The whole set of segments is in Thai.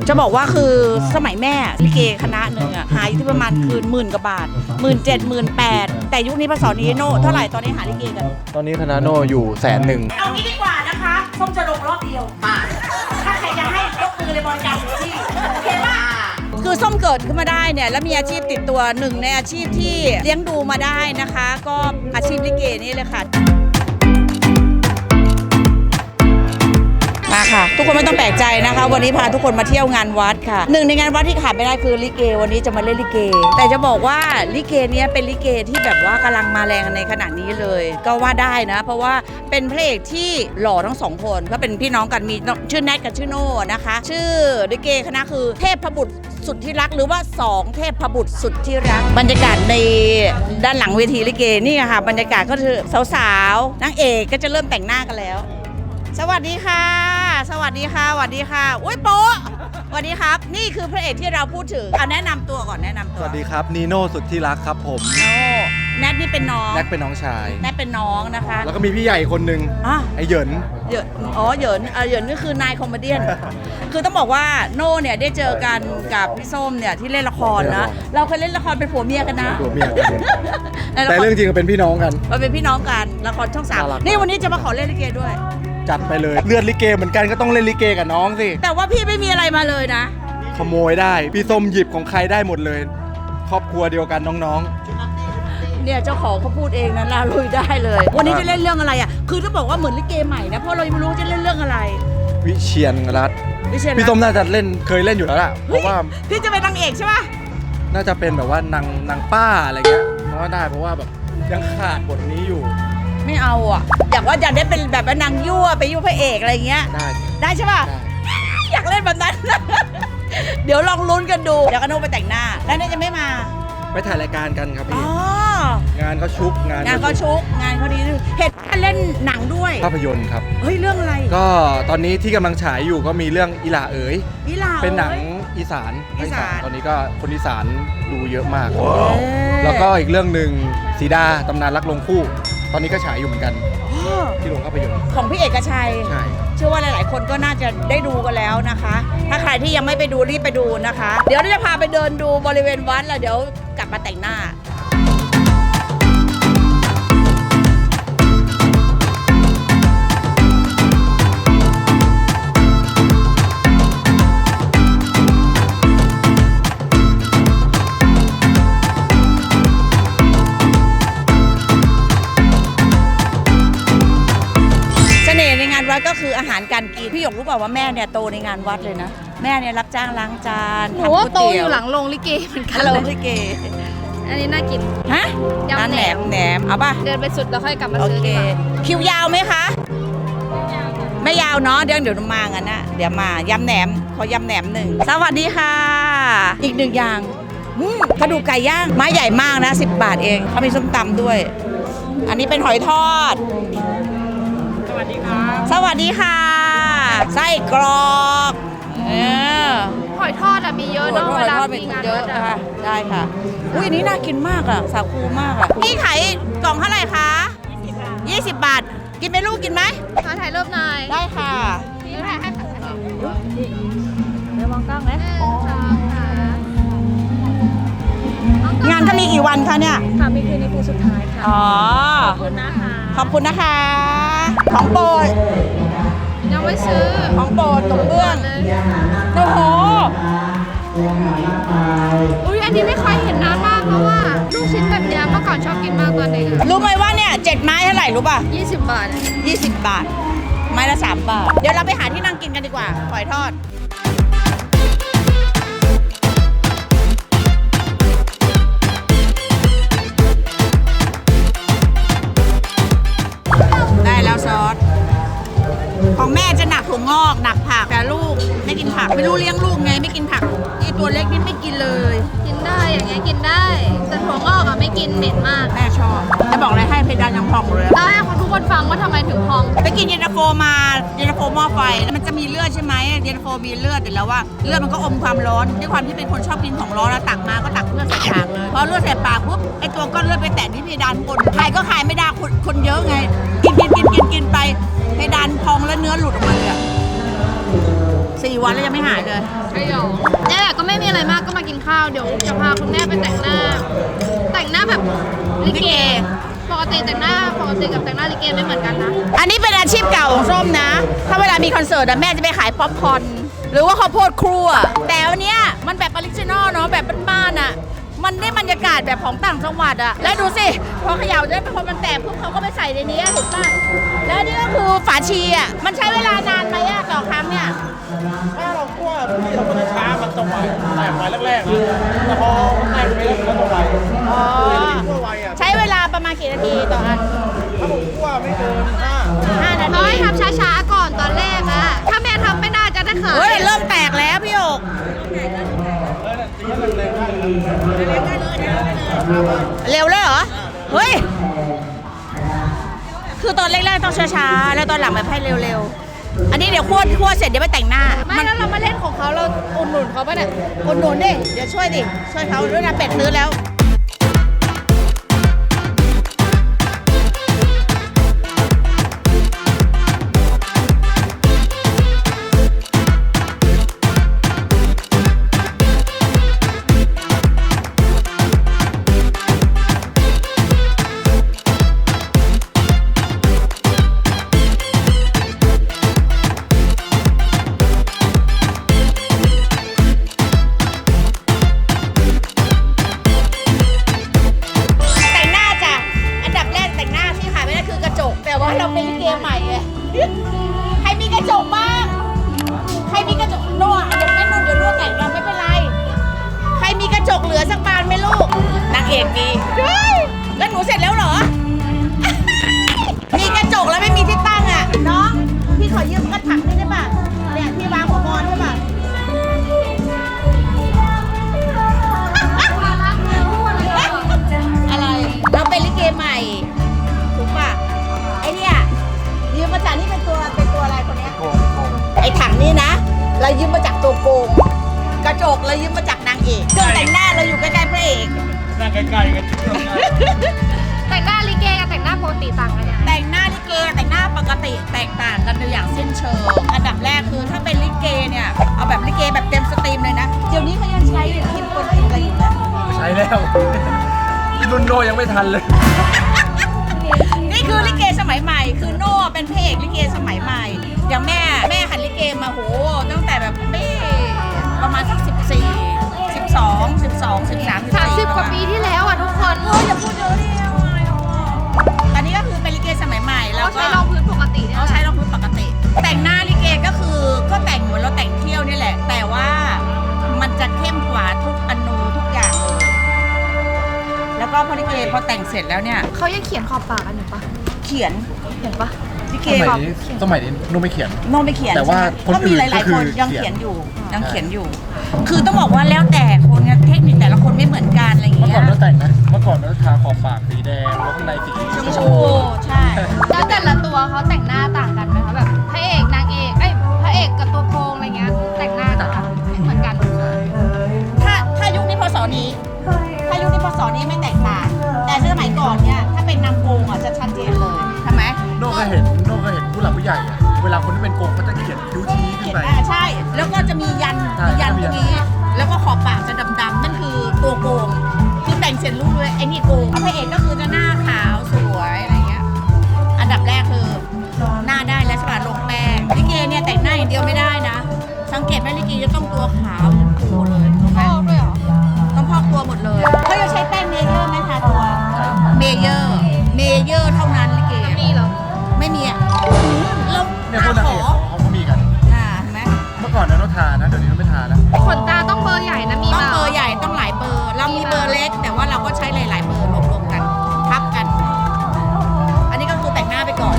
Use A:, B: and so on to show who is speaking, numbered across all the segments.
A: จะบอกว่าคือสมัยแม่ลิเกคณะหนึ่งอะหาอยู่ที่ประมาณคืน10,000 กว่าบาท17,000 18,000แต่ยุคนี้พศนี้โน่เท่าไหร่ตอนนี้หาลิเกกัน
B: ตอนนี้คณะโนอยู่100,000
A: เอางี้ดีกว่านะคะส้มจะลงรอบเดียวถ้าใครจะให้ยกมือเลยบริการที่โอเคป่ะคือส้มเกิดขึ้นมาได้เนี่ยแล้วมีอาชีพติดตัวหนึ่งในอาชีพที่เลี้ยงดูมาได้นะคะ ก็อาชีพลิเกนี่เลยค่ะมาค่ะทุกคนไม่ต้องแปลกใจนะคะ วันนี้พาทุกคนมาเที่ยวงานวัดค่ะหนึ่งในงานวัดที่ขาดไม่ได้คือลิเกวันนี้จะมาเล่นลิเกแต่จะบอกว่าลิเกเนี้ยเป็นลิเกที่แบบว่ากำลังมาแรงในขณะนี้เลยก็ว่าได้นะเพราะว่าเป็นพระเอกที่หล่อทั้งสองคนก็เป็นพี่น้องกันมีชื่อแนทกับชื่อโน่นะคะชื่อลิเกคณะคือเทพบุตรสุดที่รักหรือว่า2เทพบุตรสุดที่รักบรรยากาศในด้านหลังเวทีลิเกนี่ค่ะบรรยากาศก็คือสาวๆนางเอกก็จะเริ่มแต่งหน้ากันแล้วสวัสดีค่ะสวัสดีค่ะสวัสดีค่ะอุ้ยโป๊ะสวัสดีครับนี่คือพระเอกที่เราพูดถึงเอาแนะนำตัวก่อนแนะนำตัว
B: สวัสดีครับนีโน่สุดที่รักครับผม
A: โน่แนทนี่เป็นน้อง
B: แน็กเป็นน้องชาย
A: แนทเป็นน้องนะคะ
B: แล้วก็มีพี่ใหญ่คนหนึ่ง
A: อ่ะ
B: ไอเหยิน
A: เหยินอ๋อเหยินเหยินนี่คือนายคอมเมเดี้ คือต้องบอกว่าโน่เนี่ยได้เจอกันกับพี่ส้มเนี่ยที่เล่นละครนะเราเคยเล่นละครเป็นผัวเมียกันนะ
B: ตัวเมีย
A: ในละ
B: แต่
A: คร
B: เรื่องจริงก็เป็นพี่น้องกัน
A: เราเป็นพี่น้องกันละครช่อง
B: น่ารัก
A: 3นี่วันนี้จะมาขอเล่นลิเกด้วย
B: จัดไปเลยเลือดลิเกเหมือนกันก็ต้องเล่นลิเกกับน้องสิ
A: แต่ว่าพี่ไม่มีอะไรมาเลยนะ
B: ขโมยได้พี่ส้มหยิบของใครได้หมดเลย ครอบครัวเดียวกันน้อง
A: เนี่ยเจ้าของเขาพูดเองนะลาลุยได้เลย วันนี้จะเล่นเรื่องอะไรอ่ะคือต้องบอกว่าเหมือนลิเกใหม่นะเพราะเรายังไม่รู้จะเล่นเรื่องอะไร
B: ๆวิเชียนรัตน์
A: วิเชียร
B: พี่ส้มน่าจะเล่นเคยเล่นอยู่แล้วล่ะเพ
A: เฮ้ย
B: ราะว่า
A: พี่จะเป็นนางเอกใช่ปะ
B: น่าจะเป็นแบบว่านางป้าอะไรเงี้ยเพราะว่าได้เพราะว่าแบบยังขาดบทนี้อยู่
A: ไม่เอาอ่ะอยากได้เป็นแบบว่านางยั่วไปยั่วพระเอกอะไรเงี้ย
B: ได้
A: ได้ใช่ปะ
B: ได้
A: อยากเล่นแบบนั้น เดี๋ยวลองลุ้นกันดูเดี๋ยวกันโนไปแต่งหน้าแล้วเนี่ยจะไม่มา
B: ไปถ่ายรายการกันครับ
A: อ๋
B: พี่
A: อง
B: านเขาชุกงาน
A: งานก็ชุกงานเขาดีเห็นเล่นหนังด้วย
B: ภาพยนตร์ครับ
A: เฮ้ยเรื่องอะไร
B: ก็ตอนนี้ที่กำลังฉายอยู่ก็มีเรื่องอีหล่าเอ๋ย
A: อีหลา
B: เป็นหนัง
A: อ้ย
B: อีสาน
A: อีสาน
B: ตอนนี้ก็คนอีสานดูเยอะมาก
A: เอ๊ะ
B: แล้วก็อีกเรื่องหนึ่งสีดาตำนานรักลงคู่ ตอนนี้ก็ฉายอยู่เหมือนกัน
A: อ๋อ
B: ที่โรงภาพยนตร์
A: ของพี่เอกชัย
B: ใช่
A: เชื่อว่าหลายๆ คนก็น่าจะได้ดูกันแล้วนะคะ ถ้าใครที่ยังไม่ไปดูรีบไปดูนะคะ เดี๋ยวเราจะพาไปเดินดูบริเวณวัดแล้วเดี๋ยวกลับมาแต่งหน้า เสน่ห์ในงานวัดก็คืออาหารการกินพี่หยกรู้เปล่าว่าแม่เนี่ยโตในงานวัดเลยนะแม่เนี่ยรับจ้างล้างจาน
C: หนูว่า
A: ทำ
C: โต
A: ก๋วย
C: อ
A: เตี๋ยว
C: ยู่หลังโรงลิเกเหมือนกัน
A: ฮัลโหล
C: เลย
A: ลิเก
C: อันนี้น่ากิน
A: ฮะ
C: ยำ
A: ร้านแหนม
C: แหนม
A: แหนมเอาป่ะ
C: เดินไปสุดแล้วค่อยกลับมา
A: โอ
C: ซื้อ
A: เค
C: ดีกว่า
A: คิวยาวไหมคะไม่ยาวเนาะเดี๋ยวมากันนะเดี๋ยวมายำแหนมขอยำแหนมหนึ่งสวัสดีค่ะ อีกหนึ่งอย่างกระดูกไก่ย่างไม้ใหญ่มากนะ10 บาทเองเขามีส้มตำด้วย อันนี้เป็นหอยทอด สวัสดีค่ะไส้กรอก
C: หอยทอดอะมีเยอะเนาะเวลามีงาน
A: เย
C: วั
A: อะ
C: ดอะ
A: ค่ะได้ค่ะอุ้ยอันนี้น่ากินมากอ่ะสาคูมากอ่ะพี่ขายกล่องเท่าไหร่คะ20 บาทกินไหมลูกกินไหม
C: มาถ่ายรูปหน่อย
A: ได้ค่ะ
C: นี่ถ่ายให้ค่ะ
A: เดี๋ยวมองกล้องนะ
C: สองสาม
A: งานก็มีกี่วันคะเนี่ย
C: ค่ะมีคืนนี้คืนสุดท้ายค่ะ
A: อ๋อ
C: ขอบคุณนะคะ
A: ขอบคุณนะคะ ของโปรด
C: ยังไม่ซื้อ
A: ของโปรดตรงเบื้อง
C: เลย
A: โอ้โห
C: อุ้ยอันนี้ไม่เคยเห็นนานมากเพราะว่าลูกชิ้นแบบเนี้ยเมื่อก่อนชอบกินมากตอนเด็กอะ
A: รู้ไหมว่าเนี่ย7 ไม้เท่าไหร่รู้ป่ะ
C: 20 บาท
A: 20 บาท ไม้ละ3 บาท เดี๋ยวเราไปหาที่นั่งกินกันดีกว่าหอยทอด ได้แล้วซอส ของแม่จะหนักถั่วงอกหนักผักแต่ลูกไม่กินผัก ไม่รู้เลี้ยงลูกไงไม่กินผักอีตัวเล็กนี่ไม่กินเลย
C: กินได้อย่างเงี้ยกินได้ แต่ถั่วงอกอะไม่กินเหม็นมาก
A: แม่ชอบจะบอกอะไรให้เพดานยังพองเลย
C: ได้ให้ทุกคนฟังว่าทำไมถึงพอง
A: ไปกินเย็นตาโฟมาเย็นตาโฟหม้อไฟแล้วมันจะมีเลือดใช่ไหมเย็นตาโฟมีเลือดแต่แล้วว่าเลือดมันก็อมความร้อนด้วยความที่เป็นคนชอบกินของร้อนแล้วตักมาก็ตักเลือดใส่ปากเลยพอเลือดใส่ปากปุ๊บไอตัวก้อนเลือดไปแตะที่เพดานคนขายก็ขายไม่ได้คนเยอะไงกินไปเพดานพองแล้วเนื้อหลุดออกมาเลยอะ 4 วันแล้วยังไม่หายเลย
C: ใช่หรอเนี่ยแหละก็ไม่มีอะไรมากก็มากินข้าวเดี๋ยวจะพาคุณแม่ไปแต่งหน้าแบบลิเกปกติแต่งหน้าปกติกับแต่งหน้าลิเกไม่เหมือนกันนะ
A: อันนี้เป็นอาชีพเก่าของส้มนะ ถ้าเวลามีคอนเสิร์ตอะแม่จะไปขายป๊อปคอร์นหรือว่าข้าวโพดครัว แต่อันเนี้ยมันแบบออริจินอลเนาะแบบบ้านๆอะมันได้บรรยากาศแบบของต่างจังหวัดอะแล้วดูสิพอเขย่าได้พอมันแตกปุ๊บเขาก็ไปใส่ในนี้ถูกป่ะแล้วนี่ก็คือฝาชีอะมันใช้เวลานานไหมอะต่อครั้งเนี่ย
B: ถ้าเราคั่วที่เราคั่วช้ามันจะไหวแตกไวแรกๆนะแต่พอแตกไปแล้วมันก็จะไว
A: อ๋อ
B: คั่วไวอ่ะ
A: ใช้เวลาประมาณกี่นาทีต่ออัน
B: ถ้าผมคั่วไม่เกิน
A: 5 นา
C: น้อย
A: ที
C: ทำช้าๆก่อนตอนแรกอะถ้าแม่ทำไม่น่าจะได้ขาย
A: เฮ้ยเริ่มแตกแล้วพี่โอก
B: ตีให้แรงๆได้
A: เร็วเลยเหรอเฮ้ยคือตอนแรกๆต้องช้าๆแล้วตอนหลังแบบให้เร็วๆอันนี้เดี๋ยวคั่วเสร็จเดี๋ยวไปแต่งหน้า
C: ไม่แล้วเรามาเล่นของเขาเราอุดหนุนเขาปะเนี่ย
A: อุดหนุนดิเดี๋ยวช่วยเขาด้วยนะเป็ดซื้อแล้วเราเป็นลิเกใหม่ไงใครมีกระจกบ้างใครมีกระจกโน่เดี๋ยวแม่นุ่นเดี๋ยวนุ่นแต่งเราไม่เป็นไรใครมีกระจกเหลือสักบานไหมลูกนางเอกมีแล้วหนูเสร็จแล้วเหรอ มีกระจกแล้วไม่มีที่ตั้งอ่ะน้องพี่ขอยืมกระถางได้ป่ะเนี่ยที่วางหัวมอนใช่ป่ะอะไรเราเป็นลิเกใหม่ถูกป่ะไอเนี่ยยืมมาจากนี่เป็นตัวอะไรคนเนี้ยไอถังนี่นะเรายืมมาจากตัวโกงกระจกเรายืมมาจากนางเอกเครื่องแต่งหน้าเราอยู่ใกล้ๆพระเอก
B: นั่งใกล้ๆกัน
C: แต่งหน้าลิเกกับแต่งหน้าปกติต่างกันยังไง
A: แต่งหน้าลิเกแต่งหน้าปกติแตกต่างกันโดยอย่างสิ้นเชิงอันดับแรกคือถ้าเป็นลิเกเนี่ยเอาแบบลิเกแบบเต็มสตรีมเลยนะเดี๋ยวนี้เขายังใช้คิมคนอะไรอยู่นะ
B: ใช้แล้วรุ่นโนยังไม่ทันเลย
A: นี่คือลิเกสมัยใหม่คือโน่เป็นพระเอกลิเกสมัยใหม่อย่างแม่หันลิเกมาโหตั้งแต่แบบไม่ประมาณสัก14 12 13
C: 30 กว่าปีที่แล้วอ่ะทุกคน
A: อย่าพูดเยอะดิตอนนี้ก็คือเป็นลิเกสมัยใหม่แล้ว
C: เรา
A: ก็
C: ใช้รองพื้นปกติเนี่ย
A: เขาใช้รองพื้นปกติ แต่งหน้าลิเกก็คือก็แต่งเหมือนเราแต่งเที่ยวนี่แหละ แต่ว่ามันจะเข้มกว่าทุกอนูทุกอย่างเลยแล้วก็พอลิเกพอแต่งเสร็จแล้วเนี่ย
C: เขายังเขียนขอบปากกันอยู่ปะ
A: เขียน
C: เห็นปะ
A: ลิเก
B: สมัยนี้นุ่มไม่เขียน
A: โน้ไม่เขียน
B: แต่ว่าคน
A: ก็มี
B: อื่น
A: หลาย
B: ก็คื
A: ๆ ค
B: อน
A: ยัง
B: เขี
A: เขี
B: ย
A: ย
B: น
A: นอยู่ คือต้องบอกว่าแล้วแต่คนไงเทคนิคแต่ละคนไม่เหมือนกันอะไรอย่าง
B: เมื่อ
A: เงี้
B: ก่อย นเราแต่งนะเมื่อก่อนเราทาขอบปากสีแดงแล้วข้างในสี
A: ชมพูใช่
C: แล้วแต่ละตัวเขาแต่งหน้าต่างกันไหมคะแบบพระเอกนางเอกพระเอกกับตัวโกงอะไรเงี้ยแต่งหน้าจะไม่เหมือนกัน
A: ถ้ายุคนี้พศนี้ไม่แตกต่างแต่สมัยก่อนเนี่ยถ้าเป็นนางโกงอ่ะจะชัดเจนเลยใช่ไหม
B: โน่เคยเห็นผู้หลักผู้ใหญ่อะเวลาคนที่เป็นโกงเขาจะเขียนคิ้วชี้ขึ้นไป
A: ใช่ แล้วก็จะมียัน
B: ใช่
A: ตรงนี้ แล้วก็ขอบปากจะดำๆนั่นคือตัวโกงคือแต่งเสร็จรู้เลยไอ้นี่โกงพระเอกก็คือจะหน้าขาวสวยอะไรเงี้ยอันดับแรกคือหน้าได้แล้วใช่ป่ะลงแป้งลิเกเนี่ยแต่งหน้าอย่างเดียวไม่ได้นะสังเกตไหมลิเกจะต้องตัวขาวทั้งตัวเลยถูกไหม
C: ชอบด้วยเหรอ
A: ต้องพอกตัวหมดเลยเขาจะใช้แป้งเมเยอร์ไหมทาตัวเมเยอร์เท่านั้นลิเก
C: มีเหรอ
A: ไม่มีอ่ะแล้ว
B: เนี่ยพวกนางเอกเขาก็มีกัน
A: เห็นไหม
B: เมื่อก่อนเราทานะเดี๋ยวนี้เราไม่ทาแล้ว
C: ขนตาต้องเบอร์ใหญ่นะมี
A: ต้อง
C: มา
A: เบอร์ใหญ่ต้องหลายเบอร์ เรามีเบอร์เล็ก แต่ว่าเราก็ใช้หลายๆเบอร์รวมๆกันทับกัน อันนี้ก็คือแต่งหน้าไปก่อน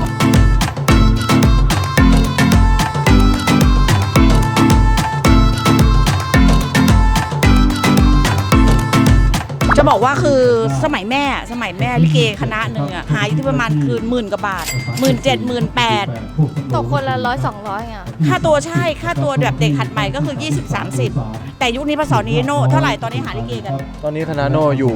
A: จะบอกว่าคือสมัยแม่ลิเกคณะหนึ่งอะหายอยู่ที่ประมาณคืน10,000 กว่าบาท 17,000 18,000
C: ตกคนละ100-200อ่ะ
A: ค่าตัวใช่ค่าตัวแบบเด็กหัดใหม่ก็คือ20-30 แต่ยุคนี้พศนี้โน่เท่าไหร่ตอนนี้หาลิเกกัน
D: ตอนนี้คณะโนอยู่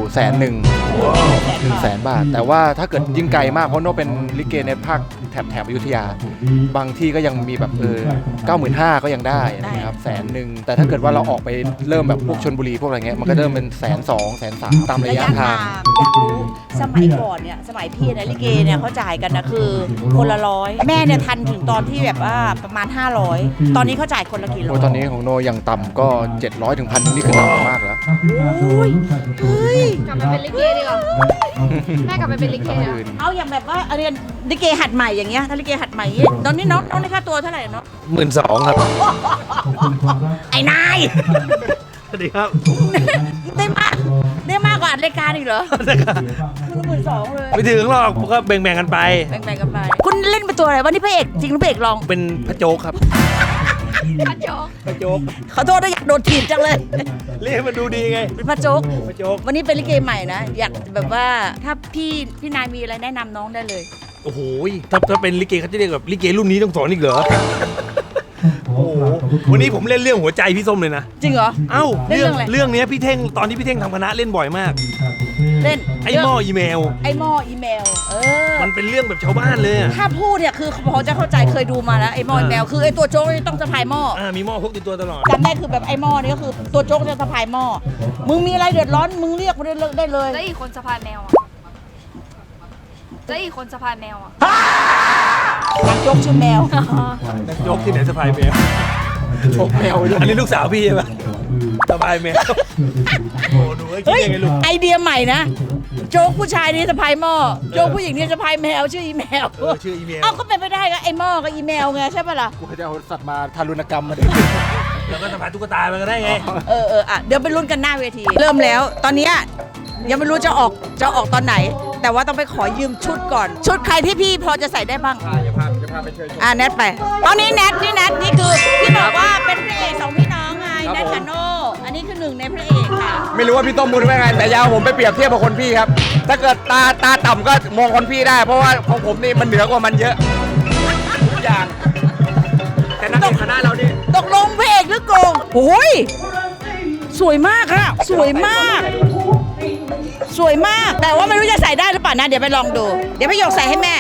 D: 100,000 บาท แต่ว่าถ้าเกิดยิ่งไกลมากเพราะโนเป็นลิเกในภาคแถบอยุธยา บางที่ก็ยังมีแบบ95,000ก็ยังได้นะครับ100,000แต่ถ้าเกิดว่าเราออกไปเริ่มแบบพวกชลบุรีพวกอะไรเงี้ยมันก็เริ่มเป็น120,000 130,000ตามระยะทาง
A: อยากรู้สมัยก่อนเนี่ยสมัยพี่เนี่ยลิเกเนี่ยเขาจ่ายกันนะคือคนละ100แม่เนี่ยทันถึงตอนที่แบบว่าประมาณ500ตอนนี้เขาจ่ายคนละกี่ร้อ
D: โอ้
A: ย
D: ตอนนี้ของโนอย่างต่ำก็700 ถึง 1,000นี่คือต่ำมากแล้ว
A: โอ้ยเฮ้ย
C: กลับมาเป็นลิเกดีกว่าแม่กลับไปเป็นลิเกอะ
A: เอาอย่างแบบว่าอันนี้ลิเกหัดใหม่อย่างเงี้ยถ้าลิเกหัดใหม่อย่างงี้ตอนนี้น้องได้ค่าตัวเท่าไหร่เนาะ
E: 12,000 ครับ
A: ไอ้นาย
E: สวัสดีครับ
A: ได้มากกว่าอัดรายการอีกเหรอคือ12,000เลย
E: ไม่ถึงหรอกก็แบ่งๆกันไป
A: แบ่งๆกันไปคุณเล่นเป็นตัวอะไรวะนี่พระเอกจริงหรือพระเอกรอง
E: เป็นพระโจ๊กครับ
C: พระโจ๊ก
E: พระโจ๊ก
A: ขอโทษนะอยากโดนถีบจังเลย
E: เรียกให้มันดูดีไง
A: เป็นพระโจ๊ก
E: พระโจ๊ก
A: วันนี้เป็นลิเกใหม่นะ อยากแบบว่าถ้าพี่นายมีอะไรแนะนำน้องได้เลย
E: โอ้โหถ้าเป็นลิเกเขาจะเรียกแบบลิเกรุ่นนี้ต้องสอนอีกเหรอ โอ้โห วันนี้ผมเล่นเรื่องหัวใจพี่ส้มเลยนะ
A: จริงเหรอ
E: เอ้า
A: เล่นเรื่องอะไร
E: เรื่องนี้พี่เท่งตอนที่พี่เท่งทำคณะเล่นบ่อยมาก
A: เล่น
E: ไอ้หม้ออีเมล
A: ไอ้หม้ออีเมล
E: มันเป็นเรื่องแบบชาวบ้านเลยอะ
A: ถ้าพูดเนี่ยคือพอจะเข้าใจเคยดูมาแล้วไอ้หม้ออีเมลคือไอ้ตัวโจ๊กนี่ต้องสะพายหม้อ
E: มีหม้อพกติดตัวตลอด
A: จำได้คือแบบไอ้หม้อนี่ก็คือตัวโจ๊กจะสะพายหม้อมึงมีอะไรเดือดร้อนมึงเรียกมาได้เลย
C: แล้วอีกคนสะพายแมวอะแล้วอีกคนสะพายแมวอะ
A: นักโจ๊กชื่อแมว
E: โจ๊กที่ไหนสะพายแมวพกแมวอันนี้ลูกสาวพี่ใช่ปะสะพายแมว โอ้ดูไอ้คิด
A: เฮ้ย
E: ยังไงลูก
A: ไอเดียใหม่นะโจ๊กผู้ชายนี่สะพายหม้อโจ๊กผู้หญิงนี่สะพายแมวชื่ออีแมว
E: ชื่ออีเมล
A: เอ้าก็เป็นไปได้ก็ไอ้หม้อกับอีแมวไงใช่ปะล่ะ
D: กูจะเอาสัตว์มาทารุณกรรมมาดิ
E: แล้วก็สะพายตุ๊กตามันก็ได้ไง
A: อ่ะเดี๋ยวไปลุ้นกันหน้าเวที เริ่มแล้วตอนเนี้ยยังไม่รู้จะออกตอนไหน แต่ว่าต้องไปขอยืมชุดก่อน ชุดใครที่พี่พอจะใส่ได้บ้าง
D: จะพาไปเชิญชม
A: แนทไปตอนนี้แนทนี่คือที่บอกว่าเป็นพระเอกสองพี่น้องไง
D: ครับ
A: แนท
D: ผม
A: กับโน่อันนี้คือหนึ่งในพระเอกค่ะ
D: ไม่รู้ว่าพี่ต้มบุญว่าไงแต่อยาวผมไปเปรียบเทียบกับคนพี่ครับ ถ้าเกิดตาต่ำก็มองคนพี่ได้ เพราะว่าของผมนี่มันเหนือกว่ามันเยอะทุกอย่าง แต่นักเอกคณะเรานี่
A: ตกลงพระเอกหรือโกงโอ้ยสวยมากค่ะสวยมาก สวยมาก แต่ว่าไม่รู้จะใส่ได้หรือเปล่านะ เดี๋ยวไปลองดู เดี๋ยวพี่หยกใส่ให้แม่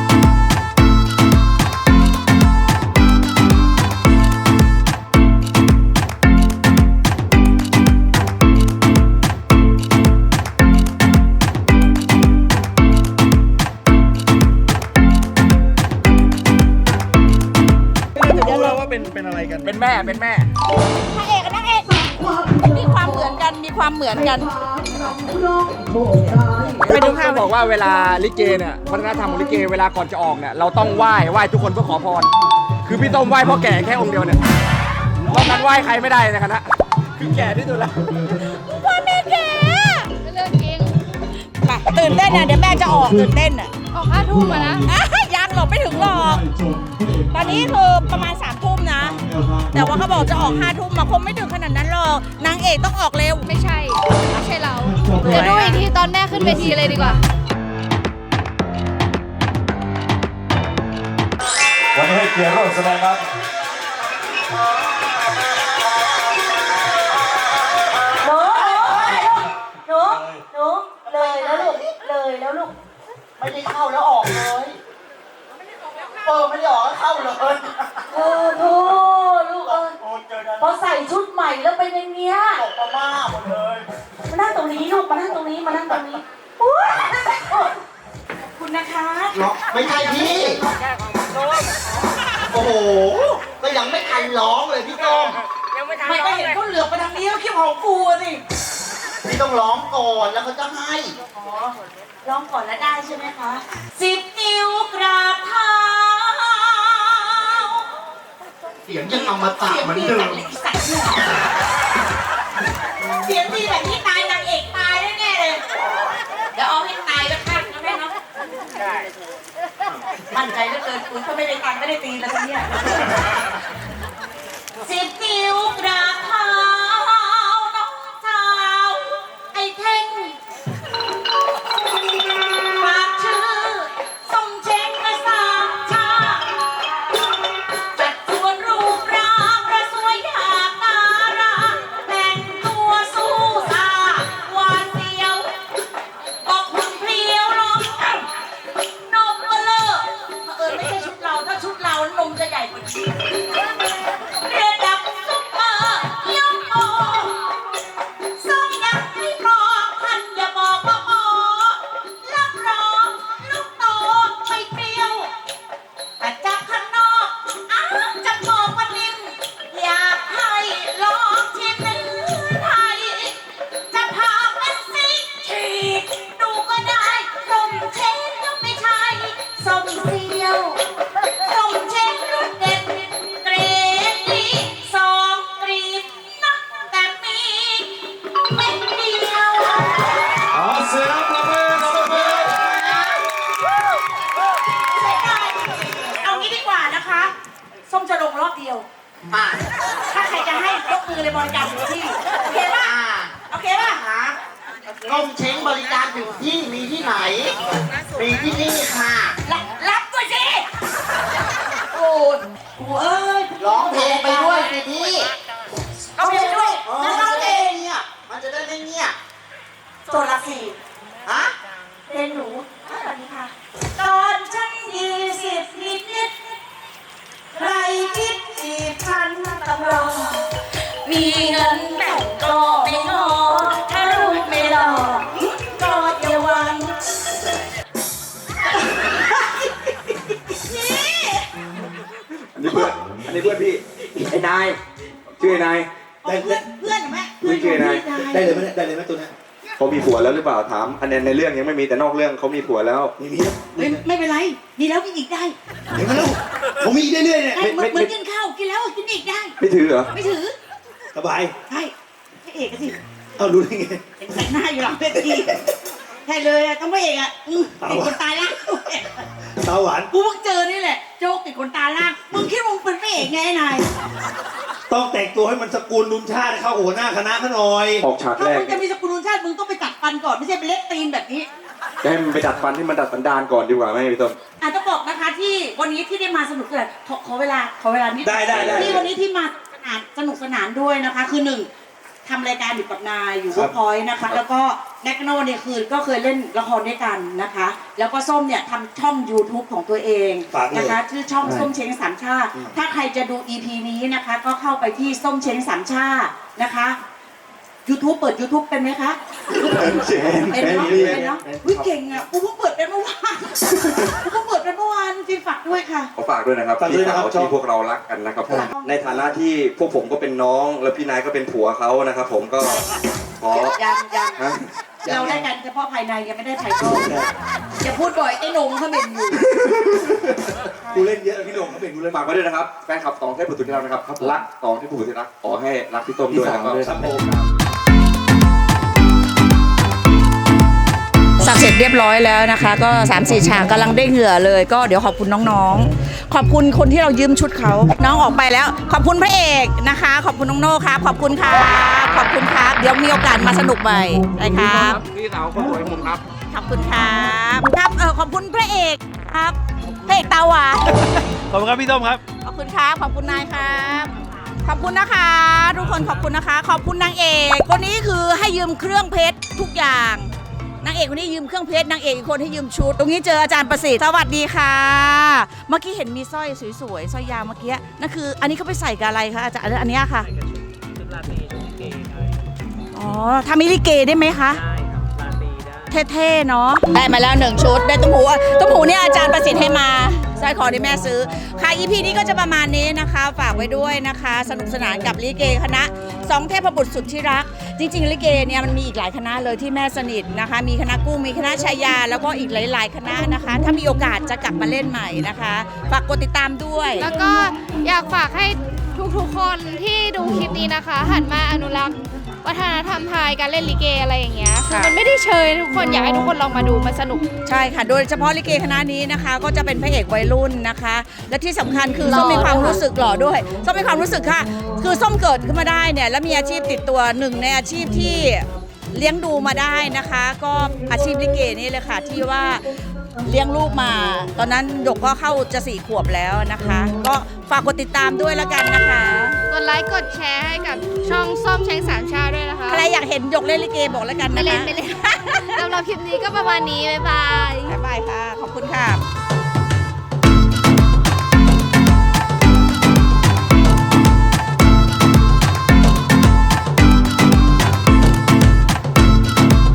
E: รู้แล้วว่าเป็นอะไรกัน
D: เป็นแม่
A: พระเอกกับนางเอกมีความเหมือนกันไปดูข้าว
D: บอกว่าเวลาลิเกเนี่ยวัฒนธรรมของลิเกเวลาก่อนจะออกเนี่ยเราต้องไหว้ทุกคนเพื่อขอพร คือพี่ต้มไหว้พ่อแก่แค่องค์เดียวเนี่ยนอกนั้นไหว้ใครไม่ได้ในคณะคือแก่ที่สุดแล้ว
A: พ่อแม่แก่
C: เรื่องจริง
A: ไปตื่นเต้นนะเดี๋ยวแม่จะออกตื่นเต้นอ่ะ
C: ออก5 ทุ่มอะนะ
A: ยังหรอกไม่ถึงหรอก ตอนนี้คือประมาณ3 ทุ่มนะ แต่ว่าเขาบอกจะออก5 ทุ่มมาคงไม่ถึงขนาดนั้นหรอกนางเอกต้องออกเร็ว
C: ไม่ใช่เรา เดี๋ยวดูอีกทีตอนแม่ขึ้นเวทีเลยดีกว่า
F: วันนี้ให้เกียรติร่วมแสดงครับ
A: หนูเลยแล้วลูกไม่ได้เข้าแล้วออกเลยไม่ได้ออกแล้วเข้าเลยโธ่ลูกพอใส่ชุดใหม่แล้วเป็นอย่างเงี้ยตกมาม่าหมดเลยมานั่งตรงนี้ลูกมานั่งตรงนี้อุ๊ยขอบคุณนะคะ
G: ไม่ใช่พี่ โอ้โห ก็ยังไม่ทันร้องเลยพี่ต้ม
A: ไม่ก็เห็นเขาเหลือบไปทางนี้แล้วคิดของกูอะสิ
G: พี่ต้องร้องก่อนแล้วเขาจะให้
A: ร้องก่อนแล้วได้ใช่ไหมคะ10 นิ้วกราบเท้า
G: เสียงยังอมตะเหมือนเดิม
A: เสียงดีแบบนี้ตายนางเอกตายแน่ๆเลย เดี๋ยวเอาให้ตายแล้วกันนะแม่เนาะมั่นใจเหลือเกินคุณเขาไม่ได้ตังไม่ได้ตีแล้วเนี่ย10 นิ้วกราบเท้าน้องสาวไอ้เท่งฝากชื่อส่งเช็งกระสามชาจัดส่วนรูปร่างระสวยอยากตาราแต่เดียว
G: อ่า
A: ถ้าใครจะให้ยกมือเลยบริการถึงที่โอเคป่ะ
G: อ่า
A: โอเคป่ะ
G: ฮะต้มเช้งบริการถึงที่มีที่ไหน มีที่นี่ค่ะ
A: รับด้วยสิโอ้ยโอ้ย
G: ร้องเพลงไปด้วยสิพี่
A: เอาเพลงไปด้วย
G: เออ
A: แล้ว
G: มัน
A: ร้อง
G: จะ
A: เพล
G: ได้
A: ง
G: เนี่ยมันจะได้ไม่เงียบ
A: โซนละสี่
G: ฮะ
A: เพลงหนูสวัสดีค่ะ ตอนฉัน20นิดใครคิดจีบฉันต้องรอมีเงินแต่งก็ไม่งอถ้ารูปไม่หล่อก็อย่าหวัง
F: อันนี้เพื่อนพี่ ไอ้นาย ชื่อไอ้นาย
A: เพื่อนเพื่อนไหม
F: ไม่ชื่อไอ้นาย
B: ได้เลยไหมได้เลยไหมตัวเนี้ย
F: เขามีผัวแล้วหรือเปล่าถาม อันในเรื่องยังไม่มีแต่นอกเรื่องเขามีผัวแล้ว
B: ไม่มี
A: ไม่เป็นไร มีแล้วกินอีกได้
B: เดี๋ยวมาลูกผมมีเรื่อยๆเนี่ย
A: ได้เหมือนกินข้าวกินแล้วกินอีกได้
F: ไม่ถือเหรอ
A: ไม่ถือ
B: สบาย
A: ใช่พระเอกอะสิ
B: เอารู้ได้ไง
A: เห็นแต่งหน้าอยู่หลังเวทีใช่เลยอะต้องพระเอกอะติดคนตายล่าง
B: ตาหวาน
A: กูเพิ่งเจอนี่แหละ โจ๊กติดคนตายล่างมึงคิดว่ามึงเป็นพระเอกไงไอ้นาย
B: ต้องแต่งตัวให้มันสกุลลุนชาติเข้าหัวหน้าคณะเขาหน่อย
F: ออกฉาก
A: ถ้า
F: แรก
A: มึงจะมีสกุลชาติมึงต้องไปตัดฟันก่อนไม่ใช่ไปเล็กตีนแบบนี้
F: จะให้มันไปดัดฟันให้มันดัดสันดานก่อนดีกว่าไหมพี่ต้น
A: อาจจะบอกนะคะที่วันนี้ที่ได้มาสนุกเลยขอเวลานิด
B: ได้
A: ที่วันนี้ที่มาสนุกสนานด้วยนะคะ คือหนึ่งทำรายการอยู่กับนายอยู่
B: ครั
A: เวิร์
B: บ
A: กพอยต์นะคะ แล้วก็แน็กโนเนี่ยคือก็เคยเล่นละครด้วยกันนะคะ แล้วก็ส้มเนี่ยทำช่อง YouTube ของตัวเอง
B: ฝากเลย
A: นะคะชื่อช่องส้มเช้งสามชาติถ้าใครจะดู EP นี้นะคะ ก็เข้าไปที่ส้มเช้งสามชาตินะคะ YouTube เปิด YouTube เป็นไหมคะเป็นเนาะเป็นเนาะวิเก่งอ่ะกูเพิ่งเปิดเป็นเมื่อวานกูเพิ่งเปิดเป็นเมื่อวานจริงฝากด้วยค่ะ
F: ขอฝากด้วยนะครับ
B: ฝากด้วย
F: พี่
B: นะครับ
F: สาวที่พวกเรารักกันนะครับผม ในฐานะที่พวกผมก็เป็นน้อง แล้วพี่นายก็เป็นผัวเขานะครับผมก็ขอ
A: ยัง
F: ฮะ
A: เราได้กันเฉพาะภายในยังไม่ได้ภายนอกอย่าพูดบ่อยไอ้หนงเขาเป็นอยู่
B: กูเล่นเยอะพี่โด่งเขาเป็นกูเล่น
F: ฝากไว้ด้วยนะครับแฟนคลับตองเทพบุตรที่รักนะครับรักตองเทพบุตรที่รักขอให้รักพี่ต้มด้วยนะครับ
B: ครับผม
A: สับเสร็จเรียบร้อยแล้วนะคะ ก็ 3-4 ฉากกำลังได้เหงื่อเลยก็เดี๋ยวขอบคุณน้องๆ ขอบคุณคนที่เรายืมชุดเขาน้องออกไปแล้ว ขอบคุณพระเอกนะคะ ขอบคุณน้องโน่ครับขอบคุณครับขอบคุณครับเดี๋ยวมีโอกาสมาสนุกใหม่นะครับ
E: พี่สาวคนสวยผมครับ
A: ขอบคุณครับครับขอบคุณพระเอกครับพระเอกตาหวาน
E: ขอบคุณครับพี่ต้มครับ
A: ขอบคุณครับขอบคุณนายครับขอบคุณนะคะทุกคนขอบคุณนะคะ ขอบคุณนางเอกคนนี้คือให้ยืมเครื่องเพชรทุกอย่างนางเอกคนนี้ยืมเครื่องเพชรนางเอกอีกคนให้ยืมชุด ตรงนี้เจออาจารย์ประสิทธิ์สวัสดีค่ะ เมื่อกี้เห็นมีสร้อยสวยๆสร้อยยาวเมื่อกี้นั่นคืออันนี้เขาไปใส่กับอะไรคะอาจารย์อันนี้ค่ะชุดลาตรีชุดลิเกอ๋อทำมิลิเกได้ไหมคะได้ครับลาตรีได้เท่ๆเนาะได้มาแล้ว1ชุดได้ตุ้มหูเนี่ยอาจารย์ประสิทธิ์ให้มาสร้อยคอที่แม่ซื้อค่ะ EP นี้ก็จะประมาณนี้นะคะฝากไว้ด้วยนะคะ สนุกสนานกับลิเกคณะ2เทพบุตรสุดที่รักจริงๆลิเกเนี่ยมันมีอีกหลายคณะเลยที่แม่สนิทนะคะมีคณะกุ้งมีคณะชายาแล้วก็อีกหลายๆคณะนะคะถ้ามีโอกาสจะกลับมาเล่นใหม่นะคะฝากกดติดตามด้วย
C: แล้วก็อยากฝากให้ทุกๆคนที่ดูคลิปนี้นะคะ หันมาอนุรักษ์วัฒนธรรมไทยการเล่นลิเกอะไรอย่างเงี้ยคือมันไม่ได้เชยทุกคนอยากให้ทุกคนลองมาดูมันสนุก
A: ใช่ค่ะ โดยเฉพาะลิเกคณะนี้นะคะ ก็จะเป็นพระเอกวัยรุ่นนะคะ และที่สำคัญคือส้มมีความรู้สึกหล่อด้วยส้มมีความรู้สึกค่ะ คือส้มเกิดขึ้นมาได้เนี่ยแล้วมีอาชีพติดตัวหนึ่งในอาชีพที่เลี้ยงดูมาได้นะคะ ก็อาชีพลิเกนี่เลยค่ะที่ว่าเลี้ยงลูกมา ตอนนั้นหยกก็เข้าจะ4 ขวบแล้วนะคะ ก็ฝากกดติดตามด้วยแล้วกันนะคะ
C: กดไลค์กดแชร์ให้กับช่องส้มเช้งสามชาติด้วยนะคะ
A: ใครอยากเห็นหยกเล่นลิเกบอกแล้วกัน
C: ไม่
A: นะคะ
C: เล่น สำหรับคลิปนี้ก็ประมาณนี้ บ๊ายบาย
A: บ๊ายบายค่ะ ขอบคุณค่ะ